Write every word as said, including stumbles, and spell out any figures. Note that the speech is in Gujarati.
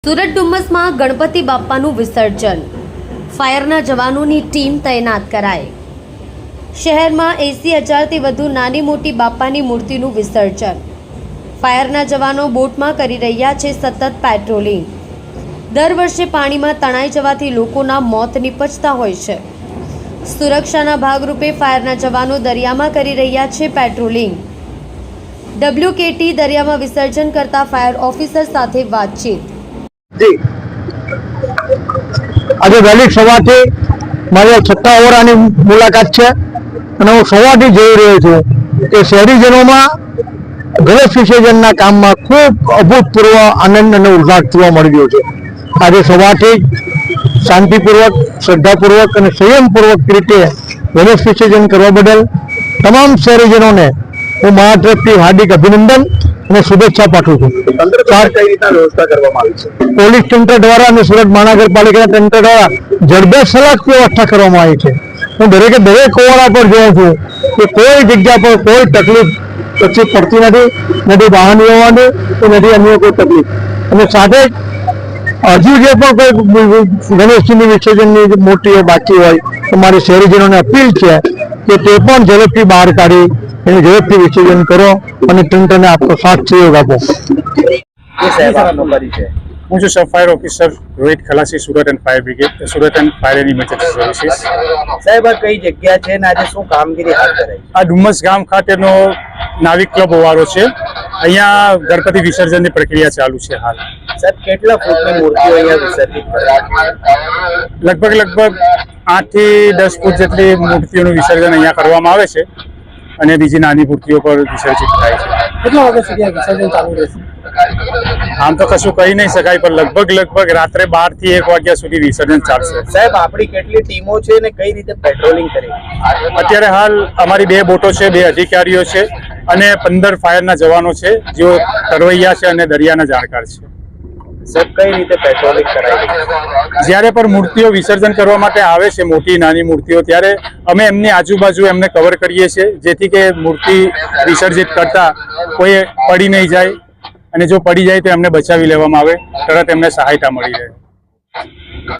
સુરત ડુમ્મસમાં ગણપતિ બાપ્પાનું વિસર્જન, ફાયરના જવાનોની ટીમ તૈનાત કરાઈ। શહેરમાં એંસી હજારથી વધુ નાની મોટી બાપ્પાની મૂર્તિનું વિસર્જન, ફાયરના જવાનો બોટમાં કરી રહ્યા છે સતત પેટ્રોલિંગ। દર વર્ષે પાણીમાં તણાઈ જવાથી લોકોના મોત નિપજતા હોય છે। સુરક્ષાના ભાગરૂપે ફાયરના જવાનો દરિયામાં કરી રહ્યા છે પેટ્રોલિંગ। ડબ્લ્યુકેટી દરિયામાં વિસર્જન કરતા ફાયર ઓફિસર સાથે વાતચીત। આજે વહેલી સવારથી મારી છઠ્ઠા ઓવરાની મુલાકાત છે અને હું સવારથી જોઈ રહ્યો છું કે શહેરીજનોમાં ગણેશ વિસર્જનના કામમાં ખૂબ અભૂતપૂર્વ આનંદ અને ઉલ્લાસ જોવા મળી રહ્યો છે। આજે સવારથી શાંતિપૂર્વક, શ્રદ્ધાપૂર્વક અને સંયમપૂર્વક રીતે ગણેશ વિસર્જન કરવા બદલ તમામ શહેરીજનોને હું મારા તરફથી હાર્દિક અભિનંદન અને શુભેચ્છા પાઠવું છું। વ્યવસ્થા કરવામાં આવી છે પોલીસ તંત્ર દ્વારા અને સુરત મહાનગરપાલિકાના તંત્ર દ્વારા જડબેસલાક વ્યવસ્થા કરવામાં આવી છે। હું દરેકે દરેક ઓવરા પર જોઉં છું કે કોઈ જગ્યા પર કોઈ તકલીફ પછી પડતી નથી, નથી વાહન વ્યવહારની કે નથી અન્ય કોઈ તકલીફ। અને સાથે હજુ જે પણ કોઈ ગણેશજીની વિસર્જનની મૂર્તિઓ બાકી હોય તો મારી શહેરીજનોને અપીલ છે કે તે પણ ઝડપથી બહાર કાઢી એને ઝડપથી વિસર્જન કરો અને તંત્રને આપનો સાથ સહયોગ આપો। હું છું sub fire officer Rohit Khalasi, Surat and fire brigade, Surat and fire and emergency services. સાહેબ, આ કઈ જગ્યા છે ને આજે શું કામગીરી હાથ ધરાઈ? આ ડુમ્મસ ગામ ખાતેનો નાવિક ક્લબ હોવારો છે। અહીંયા ગણપતિ વિસર્જનની પ્રક્રિયા ચાલુ છે હાલ। સાહેબ, કેટલા ફૂટની મૂર્તિઓ અહીંયા વિસર્જિત કરાય? લગભગ લગભગ આઠ થી દસ ફૂટ જેટલી મૂર્તિઓનું વિસર્જન અહીંયા કરવામાં આવે છે અને બીજી નાની મૂર્તિઓ પર વિસર્જિત થાય છે। કેટલા વાગ્યા સુધી આ વિસર્જન ચાલુ રહેશે? આમ તો કશું કહી નહીં શકાય, પણ લગભગ લગભગ રાત્રે બાર થી એક વાગ્યા સુધી વિસર્જન ચાલશે। સાહેબ, આપણી કેટલી ટીમો છે ને કઈ રીતે પેટ્રોલિંગ કરી? અત્યારે હાલ અમારી બે બોટો છે, બે અધિકારીઓ છે અને પંદર ફાયરના જવાનો છે જેઓ તરવૈયા છે અને દરિયાના જાણકાર છે। સાહેબ, કઈ રીતે પેટ્રોલિંગ કરાય? જ્યારે પણ મૂર્તિઓ વિસર્જન કરવા માટે આવે છે, મોટી નાની મૂર્તિઓ, ત્યારે અમે એમની આજુબાજુ એમને કવર કરીએ છીએ જેથી કે મૂર્તિ વિસર્જિત કરતા કોઈ પડી નહીં જાય અને જો પડી જાય તો એમને બચાવી લેવામાં આવે, તરત એમને સહાયતા મળી રહે।